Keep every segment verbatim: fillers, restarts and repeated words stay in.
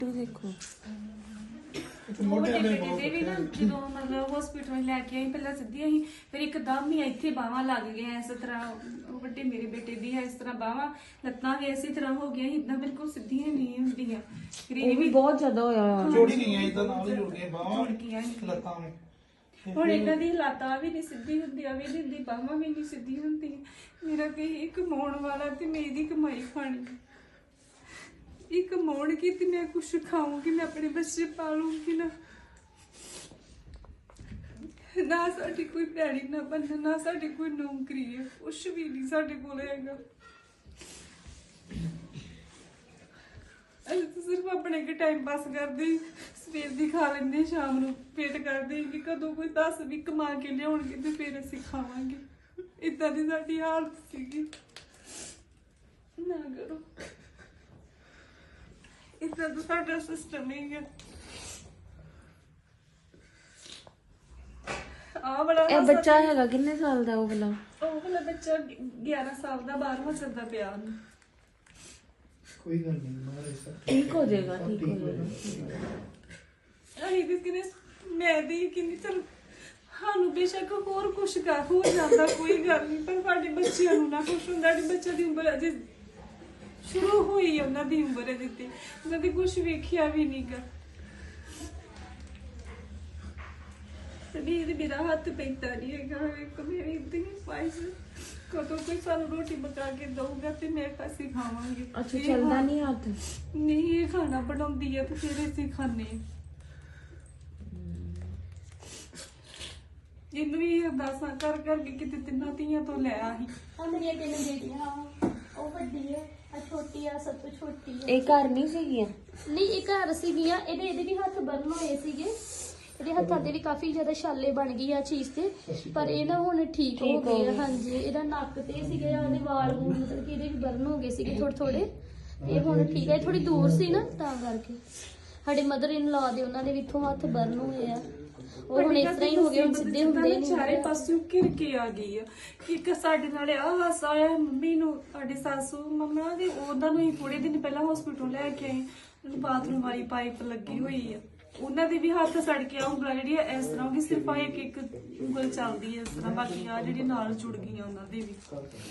ਟੱਟੂ ਦੇਖੋ ਵੱਡੇ ਬੇਟੇ ਦੇ ਵੀ ਨਾ ਜਦੋਂ ਮਤਲਬ ਹਸਪੀਟਲ ਲੈ ਕੇ ਆਈ ਪਹਿਲਾਂ ਸਿੱਧੀਆਂ ਹੀ ਫਿਰ ਇੱਕਦਮ ਹੀ ਇੱਥੇ ਬਾਹਾਂ ਲੱਗ ਗਈਆਂ ਇਸ ਤਰ੍ਹਾਂ ਵੱਡੇ ਮੇਰੇ ਬੇਟੇ ਦੀ ਹੈ ਇਸ ਤਰ੍ਹਾਂ ਬਾਹਾਂ ਲੱਤਾਂ ਵੀ ਇਸੇ ਤਰ੍ਹਾਂ ਹੋ ਗਈਆਂ ਇਦਾਂ ਬਿਲਕੁਲ ਸਿੱਧੀਆਂ ਨਹੀਂ ਹੁੰਦੀਆਂ ਫਿਰ ਇਹ ਵੀ ਬਹੁਤ ਜ਼ਿਆਦਾ ਹੋਇਆ ਜੋੜੀ ਗਈਆਂ ਇਦਾਂ ਨਾਲ ਹੀ ਜੁੜ ਗਈਆਂ ਬਾਹਾਂ ਜੁੜ ਗਈਆਂ ਲੱਤਾਂ ਨੇ ਹੁਣ ਇਹਨਾਂ ਦੀ ਲੱਤਾਂ ਵੀ ਨਹੀਂ ਸਿੱਧੀ ਹੁੰਦੀਆਂ ਵੀ ਨਹੀਂ ਹੁੰਦੀ ਬਾਹਾਂ ਵੀ ਨਹੀਂ ਸਿੱਧੀ ਹੁੰਦੀ ਮੇਰਾ ਕਿ ਇਹ ਕਮਾਉਣ ਵਾਲਾ ਤੇ ਮੈਂ ਇਹਦੀ ਕਮਾਈ ਖਾਣੀ ਇਹ ਕਮਾਉਣ ਕੀ ਤੇ ਮੈਂ ਕੁਛ ਖਾਊਂਗੀ ਮੈਂ ਆਪਣੇ ਬੱਚੇ ਪਾਲੂੰਗੀ ਨਾ ਨਾ ਸਾਡੀ ਕੋਈ ਭੈਣੀ ਨਾ ਬੰਨਾ ਨਾ ਸਾਡੀ ਕੋਈ ਨੌਕਰੀ ਹੈ ਕੁਛ ਵੀ ਨਹੀਂ ਸਾਡੇ ਕੋਲ ਹੈਗਾ ਅਸੀਂ ਤਾਂ ਸਿਰਫ ਆਪਣੇ ਕੇ ਟਾਈਮ ਪਾਸ ਕਰਦੇ ਸਵੇਰ ਦੀ ਖਾ ਲੈਂਦੇ ਸ਼ਾਮ ਨੂੰ ਪੇਟ ਕਰਦੇ ਕਿ ਕਦੋਂ ਕੋਈ ਦਸ ਵੀ ਕਮਾ ਕੇ ਲਿਆਉਣਗੇ ਤੇ ਫਿਰ ਅਸੀਂ ਖਾਵਾਂਗੇ ਇਦਾਂ ਦੀ ਸਾਡੀ ਹਾਲਤ ਸੀਗੀ ਨਾ ਕਰੋ ਇਦਾਂ ਦਾ ਸਾਡਾ ਸਿਸਟਮ ਹੀ ਹੈ ਆ ਬੜਾ ਇਹ ਬੱਚਾ ਹੈਗਾ ਕਿੰਨੇ ਸਾਲ ਦਾ ਉਹ ਵਾਲਾ ਉਹ ਵਾਲਾ ਬੱਚਾ ਗਿਆਰਾਂ ਸਾਲ ਦਾ ਬਾਰਵਾਂ ਚੱਲਦਾ ਪਿਆ ਉਹਨੂੰ ਕੋਈ ਗੱਲ ਨਹੀਂ ਮਾਰੇ ਸਰ ਠੀਕ ਹੋ ਜਾਏਗਾ ਠੀਕ ਹੋ ਜਾਏਗਾ ਅਸੀਂ ਤੇ ਕਿਨੇ ਮੈਂ ਦੀ ਕਿੰਨੀ ਚਲ ਸਾਨੂੰ ਬੇਸ਼ੱਕ ਹੋਰ ਕੁਛ ਕਰ ਹੋ ਜਾਂਦਾ ਕੋਈ ਗੱਲ ਨਹੀਂ ਪਰ ਸਾਡੇ ਬੱਚਿਆਂ ਨੂੰ ਨਾ ਕੁਛ ਹੁੰਦਾ ਸਾਡੇ ਬੱਚਿਆਂ ਦੀ ਉਮਰ ਅਜੇ ਸ਼ੁਰੂ ਹੋਈ ਉਹਨਾਂ ਦੀ ਉਮਰ ਦਿੱਤੀ ਉਹਨਾਂ ਦੀ ਕੁਛ ਵੇਖਿਆ ਵੀ ਨਹੀਂ ਗਾ ਵੀ ਇਹਦੇ ਮੇਰਾ ਹੱਥ ਪੈਂਦਾ ਨਹੀਂ ਹੈਗਾ ਇੱਕ ਮੇਰੀ ਇਤਨੀ ਪਾਇਸ ਕਦੋਂ ਕੋਈ ਸਾਨੂੰ ਰੋਟੀ ਪਕਾ ਕੇ ਦਊਗਾ ਤੇ ਮੈਂ ਅਸੀਂ ਖਾਵਾਂਗੇ ਅੱਛਾ ਚੱਲਦਾ ਨਹੀਂ ਹੱਥ ਨਹੀਂ ਇਹ ਖਾਣਾ ਬਣਾਉਂਦੀ ਹੈ ਤੇ ਫਿਰ ਅਸੀਂ ਖਾਣੇ ਇਹਨੂੰ ਵੀ ਅਰਦਾਸਾਂ ਕਰ ਕਰਕੇ ਕਿਤੇ ਤਿੰਨਾਂ ਧੀਆਂ ਤੋਂ ਲੈ ਆਹੀ ਆ ਮੇਰੀਆਂ ਤਿੰਨ ਬੇਟੀਆਂ ਉਹ ਵੱਡੀ ਹੈ ਆ ਛੋਟੀ ਆ ਸਭ ਤੋਂ ਛੋਟੀ ਹੈ ਇਹ ਘਰ ਨਹੀਂ ਸੀਗੀਆਂ ਨਹੀਂ ਇਹ ਘਰ ਸੀਗੀਆਂ ਇਹਦੇ ਇਹਦੇ ਵੀ ਹੱਥ ਬਰਨ ਹੋਏ ਸੀਗੇ ਇਹਦੇ ਹੱਥਾਂ ਤੇ ਵੀ ਕਾਫੀ ਜ਼ਿਆਦਾ ਛਾਲੇ ਬਣ ਗਈ ਆ ਚੀਜ਼ ਤੇ ਪਰ ਇਹ ਨਾ ਹੁਣ ਠੀਕ ਹੋ ਗਏ ਆ ਹਾਂਜੀ ਇਹਦਾ ਨੱਕ ਤੇ ਸੀਗੇ ਉਹਦੇ ਵਾਲ ਵੂਲ ਮਤਲਬ ਕਿ ਇਹਦੇ ਵੀ ਬਰਨ ਹੋ ਗਏ ਸੀਗੇ ਥੋੜੇ ਥੋੜੇ ਤੇ ਹੁਣ ਠੀਕ ਹੈ ਥੋੜੀ ਦੂਰ ਸੀ ਨਾ ਤਾਂ ਕਰਕੇ ਸਾਡੇ ਮਦਰ ਇਨ ਲਾ ਦੇ ਉਹਨਾਂ ਦੇ ਵੀ ਇੱਥੋਂ ਹੱਥ ਬਰਨ ਹੋਏ ਆ ਉਹ ਹੁਣ ਇਸ ਤਰ੍ਹਾਂ ਹੀ ਹੋ ਗਏ ਹੁਣ ਸਿੱਧੇ ਹੁੰਦੇ ਨਹੀਂ ਚਾਰੇ ਪਾਸਿਓਂ ਘਿਰ ਕੇ ਆ ਗਈ ਆ ਇੱਕ ਸਾਡੇ ਨਾਲ ਆ ਹਾਸਾ ਆਇਆ ਮੰਮੀ ਨੂੰ ਸਾਡੇ ਸਾਸੂ ਮੰਮਾ ਦੇ ਉਹਨਾਂ ਨੂੰ ਹੀ ਥੋੜੇ ਦਿਨ ਪਹਿਲਾਂ ਹਸਪੀਟਲ ਲੈ ਕੇ ਆਏ ਉਹਨੂੰ ਬਾਥਰੂਮ ਵਾਲੀ ਪਾਈਪ ਲੱਗੀ ਹੋਈ ਆ ਉਹਨਾਂ ਦੇ ਵੀ ਹੱਥ ਸੜ ਕੇ ਆ ਉਂਗਲਾਂ ਜਿਹੜੀਆਂ ਇਸ ਤਰ੍ਹਾਂ ਕਿ ਸਿਰਫ ਆ ਇੱਕ ਇੱਕ ਉਂਗਲ ਚੱਲਦੀ ਹੈ ਇਸ ਤਰ੍ਹਾਂ ਬਾਕੀ ਆ ਜਿਹੜੀ ਨਾਲ ਜੁੜ ਗਈਆਂ ਉਹਨਾਂ ਦੇ ਵੀ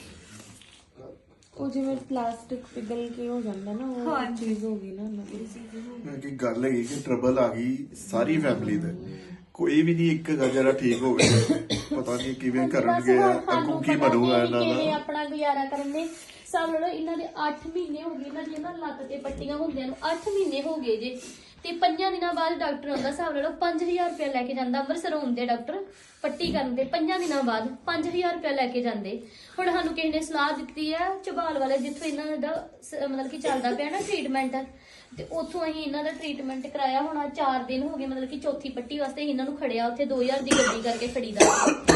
ਉਹ ਜਿਵੇਂ ਪਲਾਸਟਿਕ ਪਿਘਲ ਕੇ ਹੋ ਜਾਂਦਾ ਨਾ ਉਹ ਹਾਂ ਚੀਜ਼ ਹੋ ਗਈ ਨਾ ਉਹਨਾਂ ਦੀ ਕਿ ਗੱਲ ਹੈਗੀ ਕਿ ਟਰਬਲ ਆ ਗਈ ਸਾਰੀ ਫੈਮਿਲੀ ਤੇ ਕੋਈ ਵੀ ਨਹੀਂ ਇੱਕ ਜਿਹੜਾ ਠੀਕ ਹੋ ਗਿਆ ਪਤਾ ਨਹੀਂ ਕਿਵੇਂ ਕਰਨਗੇ ਅੱਗੋਂ ਕੀ ਬਣੂਗਾ ਇਹਨਾਂ ਦਾ ਆਪਣਾ ਗੁਜ਼ਾਰਾ ਕਰਨ ਦੇ ਸਭ ਲੋ ਇਹਨਾਂ ਦੇ ਅੱਠ ਮਹੀਨੇ ਹੋ ਗਏ ਇਹਨਾਂ ਦੀਆਂ ਨਾ ਲੱਤ ਤੇ ਪੱਟੀਆਂ ਹੁੰਦੀਆਂ ਨੂੰ ਅੱਠ ਮਹੀਨੇ ਹੋ ਗਏ ਜੇ ਤੇ ਪੰਜਾਂ ਦਿਨਾਂ ਬਾਅਦ ਡਾਕਟਰ ਆਉਂਦਾ ਹਿਸਾਬ ਲਾ ਲਓ ਪੰਜ ਹਜ਼ਾਰ ਰੁਪਇਆ ਲੈ ਕੇ ਜਾਂਦਾ ਅੰਮ੍ਰਿਤਸਰ ਆਉਂਦੇ ਡਾਕਟਰ ਪੱਟੀ ਕਰਨ ਦੇ ਪੰਜਾਂ ਦਿਨਾਂ ਬਾਅਦ ਪੰਜ ਹਜ਼ਾਰ ਰੁਪਇਆ ਲੈ ਕੇ ਜਾਂਦੇ ਹੁਣ ਸਾਨੂੰ ਕਿਸੇ ਨੇ ਸਲਾਹ ਦਿੱਤੀ ਹੈ ਝਬਾਲ ਵਾਲੇ ਜਿੱਥੋਂ ਇਹਨਾਂ ਦਾ ਮਤਲਬ ਕਿ ਚੱਲਦਾ ਪਿਆ ਨਾ ਟ੍ਰੀਟਮੈਂਟ ਤੇ ਉੱਥੋਂ ਅਸੀਂ ਇਹਨਾਂ ਦਾ ਟ੍ਰੀਟਮੈਂਟ ਕਰਾਇਆ ਹੁਣ ਚਾਰ ਦਿਨ ਹੋ ਗਏ ਮਤਲਬ ਕਿ ਚੌਥੀ ਪੱਟੀ ਵਾਸਤੇ ਇਹਨਾਂ ਨੂੰ ਖੜਿਆ ਉੱਥੇ ਦੋ ਹਜ਼ਾਰ ਦੀ ਗੱਡੀ ਕਰਕੇ ਖੜੀਦਾ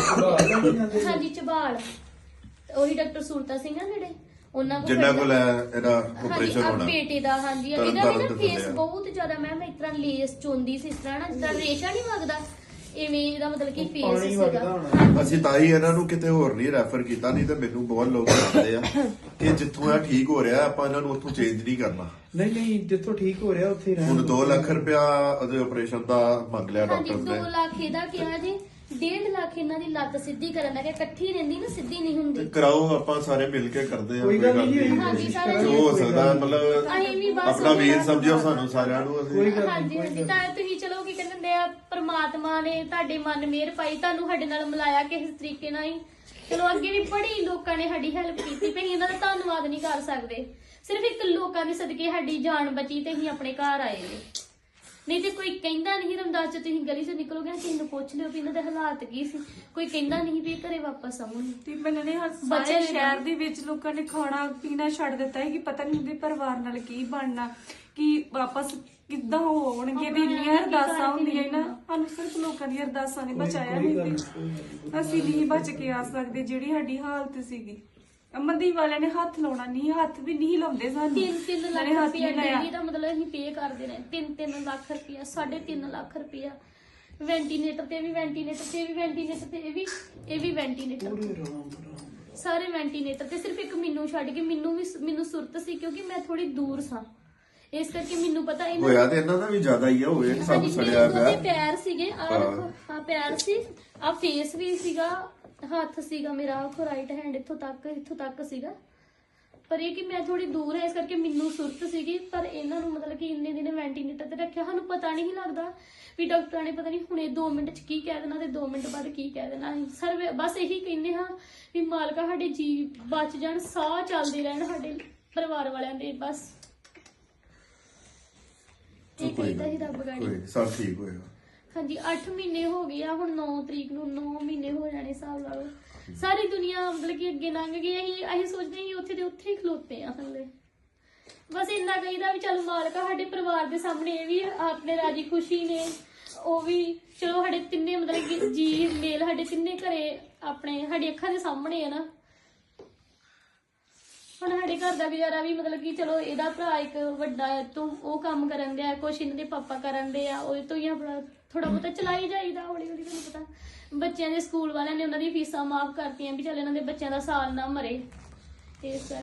ਹਾਂਜੀ ਝਬਾਲ ਉਹੀ ਡਾਕਟਰ ਸੂਰਤਾ ਸਿੰਘ ਆ ਜਿਹੜੇ ਉਹਨਾਂ ਕੋਲ ਜਿੰਨਾ ਕੋਲ ਇਹਦਾ ਆਪਰੇਸ਼ਨ ਹੋਣਾ ਬੇਟੇ ਦਾ ਹਾਂਜੀ ਇਹਦਾ ਵੀ ਨਾ ਫੇਸ ਬਹੁਤ ਜ਼ਿਆਦਾ ਮੈਮ ਇਸ ਤਰ੍ਹਾਂ ਲੇਸ ਚੋਂਦੀ ਸੀ ਇਸ ਤਰ੍ਹਾਂ ਨਾ ਜਿਸ ਤਰ੍ਹਾਂ ਰੇਸ਼ਾ ਨਹੀਂ ਵਗਦਾ ਇਵੇਂ ਇਹਦਾ ਮਤਲਬ ਕਿ ਫੇਸ ਸੀਗਾ ਅਸੀਂ ਤਾਂ ਹੀ ਇਹਨਾਂ ਨੂੰ ਕਿਤੇ ਹੋਰ ਨਹੀਂ ਰੈਫਰ ਕੀਤਾ ਨਹੀਂ ਤੇ ਮੈਨੂੰ ਬਹੁਤ ਲੋਕ ਦੱਸਦੇ ਆ ਕਿ ਜਿੱਥੋਂ ਇਹ ਠੀਕ ਹੋ ਰਿਹਾ ਆਪਾਂ ਇਹਨਾਂ ਨੂੰ ਉੱਥੋਂ ਚੇਂਜ ਨਹੀਂ ਕਰਨਾ ਨਹੀਂ ਨਹੀਂ ਜਿੱਥੋਂ ਠੀਕ ਹੋ ਰਿਹਾ ਉੱਥੇ ਰਹਿਣ ਹੁਣ ਦੋ ਲੱਖ ਰੁਪਇਆ ਉਹਦੇ ਆਪਰੇਸ਼ਨ ਦਾ ਮੰਗ ਲਿਆ ਹਾਂਜੀ ਡਾਕਟਰ ਨੇ ਦੋ ਲੱਖ ਇਹਦਾ ਕਿਹਾ ਜੀ ਡੇਢ ਲੱਖ ਇਹਨਾਂ ਦੀ ਲੱਤ ਸਿੱਧੀ ਕਰਨ ਦਾ ਕਿ ਇਕੱਠੀ ਰਹਿੰਦੀ ਨਾ ਸਿੱਧੀ ਨਹੀਂ ਹੁੰਦੀ ਕਰਾਓ ਆਪਾਂ ਸਾਰੇ ਮਿਲ ਕੇ ਕਰਦੇ ਆ ਕੋਈ ਗੱਲ ਨਹੀਂ ਹਾਂਜੀ ਸਾਰੇ ਜੋ ਹੋ ਸਕਦਾ ਮਤਲਬ ਅਸੀਂ ਵੀ ਬਸ ਆਪਣਾ ਵੀਰ ਸਮਝਿਓ ਸਾਨੂੰ ਸਾਰਿਆਂ ਨੂੰ ਅਸੀਂ ਹਾਂਜੀ ਹਾਂਜੀ ਤਾਂ ਤੁਸੀਂ ਚਲੋ ਕੀ ਕਹਿੰਦੇ ਆ ਪ੍ਰਮਾਤਮਾ ਨੇ ਤੁਹਾਡੇ ਮਨ ਮਿਹਰ ਪਾਈ ਤੁਹਾਨੂੰ ਸਾਡੇ ਨਾਲ ਮਿਲਾਇਆ ਕਿਸੇ ਤਰੀਕੇ ਨਾਲ ਹੀ ਚਲੋ ਅੱਗੇ ਵੀ ਬੜੀ ਲੋਕਾਂ ਨੇ ਸਾਡੀ ਹੈਲਪ ਕੀਤੀ ਤੇ ਅਸੀਂ ਇਹਨਾਂ ਦਾ ਧੰਨਵਾਦ ਨਹੀਂ ਕਰ ਸਕਦੇ ਸਿਰਫ ਇੱਕ ਲੋਕਾਂ ਦੇ ਸਦਕੇ ਸਾਡੀ ਜਾਨ ਬਚੀ ਤੇ ਅਸੀਂ ਆਪਣੇ ਘਰ ਆਏ ਨੇ ਨਹੀਂ ਤੇ ਕੋਈ ਕਹਿੰਦਾ ਨਹੀਂ ਰਮਦਾਸ ਚ ਤੁਸੀਂ ਗਲੀ ਚੋਂ ਨਿਕਲੋਗੇ ਕਿਸੇ ਨੂੰ ਪੁੱਛ ਲਿਓ ਵੀ ਇਹਨਾਂ ਦੇ ਹਾਲਾਤ ਕੀ ਸੀ ਕੋਈ ਕਹਿੰਦਾ ਨਹੀਂ ਵੀ ਘਰੇ ਵਾਪਸ ਆਉਣ ਤੇ ਮੈਨੂੰ ਨੇ ਸਾਰੇ ਸ਼ਹਿਰ ਦੇ ਵਿੱਚ ਲੋਕਾਂ ਨੇ ਖਾਣਾ ਪੀਣਾ ਛੱਡ ਦਿੱਤਾ ਹੈ ਕਿ ਪਤਾ ਨਹੀਂ ਉਹਦੇ ਪਰਿਵਾਰ ਨਾਲ ਕੀ ਬਣਨਾ ਕਿ ਵਾਪਸ ਕਿੱਦਾਂ ਹੋਣਗੇ ਦੀ ਇੰਨੀਆਂ ਅਰਦਾਸਾਂ ਹੁੰਦੀਆਂ ਨਾ ਸਾਨੂੰ ਸਿਰਫ ਲੋਕਾਂ ਦੀਆਂ ਅਰਦਾਸਾਂ ਨੇ ਬਚਾਇਆ ਨਹੀਂ ਅਸੀਂ ਨਹੀਂ ਬਚ ਕੇ ਆ ਸਕਦੇ ਜਿਹੜੀ ਸਾਡੀ ਹਾਲਤ ਸੀਗੀ ਅਮਨਦੀਪ ਵਾਲਿਆਂ ਨੇ ਹੱਥ ਲਾਉਣਾ ਨਹੀਂ ਹੱਥ ਵੀ ਨਹੀਂ ਲਾਉਂਦੇ ਸਾਨੂੰ ਤਿੰਨ ਤਿੰਨ ਲੱਖ ਰੁਪਇਆ ਡੇਲੀ ਦਾ ਮਤਲਬ ਅਸੀਂ ਪੇ ਕਰਦੇ ਨੇ ਤਿੰਨ ਤਿੰਨ ਲੱਖ ਰੁਪਇਆ ਸਾਢੇ ਤਿੰਨ ਲੱਖ ਰੁਪਇਆ ਵੈਂਟੀਲੇਟਰ ਤੇ ਵੀ ਵੈਂਟੀਲੇਟਰ ਤੇ ਵੀ ਵੈਂਟੀਲੇਟਰ ਤੇ ਇਹ ਵੀ ਇਹ ਵੀ ਵੈਂਟੀਲੇਟਰ ਸਾਰੇ ਵੈਂਟੀਲੇਟਰ ਤੇ ਸਿਰਫ ਇੱਕ ਮੈਨੂੰ ਛੱਡ ਕੇ ਮੈਨੂੰ ਵੀ ਮੈਨੂੰ ਸੁਰਤ ਸੀ ਕਿਉਂਕਿ ਮੈਂ ਥੋੜੀ ਦੂਰ ਸਾਂ ਇਸ ਕਰਕੇ ਮੈਨੂੰ ਪਤਾ ਇਹਨਾਂ ਹੋਇਆ ਤੇ ਇਹਨਾਂ ਦਾ ਵੀ ਜ਼ਿਆਦਾ ਹੀ ਆ, ਹੋਏ ਸਭ ਹਾਂਜੀ, ਸੜਿਆ ਮੇਰੇ ਦੋਨੇ ਪਿਆ। ਪੈਰ ਸੀਗੇ ਆ ਹਾਂ। ਹਾਂ ਪੈਰ ਸੀ ਆ ਫੇਸ ਵੀ ਸੀਗਾ, ਹੱਥ ਸੀਗਾ ਮੇਰਾ ਰਾਈਟ ਹੈਂਡ ਇੱਥੋਂ ਤੱਕ ਇੱਥੋਂ ਤੱਕ ਸੀਗਾ। ਪਰ ਇਹ ਕਿ ਮੈਂ ਥੋੜੀ ਦੂਰ ਹੈ ਇਸ ਕਰਕੇ ਮੈਨੂੰ ਸੁਰਤ ਸੀਗੀ। ਪਰ ਇਹਨਾਂ ਨੂੰ ਮਤਲਬ ਕਿ ਇੰਨੇ ਦਿਨ ਵੈਂਟੀਲੇਟਰ ਤੇ ਰੱਖਿਆ, ਸਾਨੂੰ ਪਤਾ ਨਹੀਂ ਲੱਗਦਾ ਵੀ ਡਾਕਟਰਾਂ ਨੇ ਪਤਾ ਨਹੀਂ ਹੁਣੇ ਦੋ ਮਿੰਟ ਚ ਕੀ ਕਹਿ ਦੇਣਾ ਤੇ ਦੋ ਮਿੰਟ ਬਾਅਦ ਕੀ ਕਹਿ ਦੇਣਾ। ਸਰ ਬਸ ਇਹੀ ਕਹਿੰਦੇ ਹਾਂ ਵੀ ਮਾਲਕਾ ਸਾਡੇ ਜੀ ਬਚ ਜਾਣ, ਸਾਹ ਚੱਲਦੇ ਰਹਿਣ ਸਾਡੇ ਪਰਿਵਾਰ ਵਾਲਿਆਂ ਦੇ, ਬਸ ਇਹ ਕਹਿੰਦਾ ਹੀ ਰੱਬ ਗਾੜੀ। ਕੋਈ ਸਭ ਠੀਕ ਹੋਏਗਾ। ਹਾਂਜੀ ਅੱਠ ਮਹੀਨੇ ਹੋ ਗਏ ਆ, ਹੁਣ ਨੌ ਤਰੀਕ ਨੂੰ ਨੌ ਮਹੀਨੇ ਹੋ ਜਾਣੇ ਹਿਸਾਬ ਲਾ ਲਓ। ਸਾਰੀ ਦੁਨੀਆ ਮਤਲਬ ਕਿ ਅੱਗੇ ਲੰਘ ਗਈ, ਅਸੀਂ ਅਸੀਂ ਸੋਚਦੇ ਹਾਂ ਉੱਥੇ ਦੇ ਉੱਥੇ ਹੀ ਖਲੋਤੇ ਆ ਹਲੇ। ਬਸ ਇੰਨਾ ਕਹੀਦਾ ਵੀ ਚੱਲ ਮਾਲਕਾ ਸਾਡੇ ਪਰਿਵਾਰ ਦੇ ਸਾਹਮਣੇ ਇਹ ਵੀ ਆਪਣੇ ਰਾਜੀ ਖੁਸ਼ੀ ਨੇ, ਉਹ ਵੀ ਚਲੋ ਸਾਡੇ ਤਿੰਨੇ ਮਤਲਬ ਕਿ ਜੀ ਮੇਲ ਸਾਡੇ ਤਿੰਨੇ ਘਰੇ ਆਪਣੇ ਸਾਡੀ ਅੱਖਾਂ ਦੇ ਸਾਹਮਣੇ ਆ ਨਾ। ਹੁਣ ਸਾਡੇ ਘਰ ਦਾ ਗੁਜ਼ਾਰਾ ਵੀ ਮਤਲਬ ਕਿ ਚਲੋ ਇਹਦਾ ਭਰਾ ਇੱਕ ਵੱਡਾ ਹੈ ਤੋਂ ਉਹ ਕੰਮ ਕਰਨ ਦਿਆ, ਕੁਛ ਇਹਨਾਂ ਦੇ ਪਾਪਾ ਕਰਨ ਦੇ ਆ, ਉਹਦੇ ਤੋਂ ਹੀ ਆਪਣਾ ਥੋੜਾ ਬਹੁਤਾ ਚਲਾਈ ਜਾਈਦਾ ਹੌਲੀ ਹੌਲੀ। ਤੁਹਾਨੂੰ ਪਤਾ ਬੱਚਿਆਂ ਦੇ ਸਕੂਲ ਵਾਲਿਆਂ ਨੇ ਉਹਨਾਂ ਦੀ ਫੀਸਾਂ ਮਾਫ ਕਰਤੀਆਂ ਵੀ ਚੱਲ ਇਹਨਾਂ ਦੇ ਬੱਚਿਆਂ ਦਾ ਸਾਲ ਨਾ ਮਰੇ ਇਸ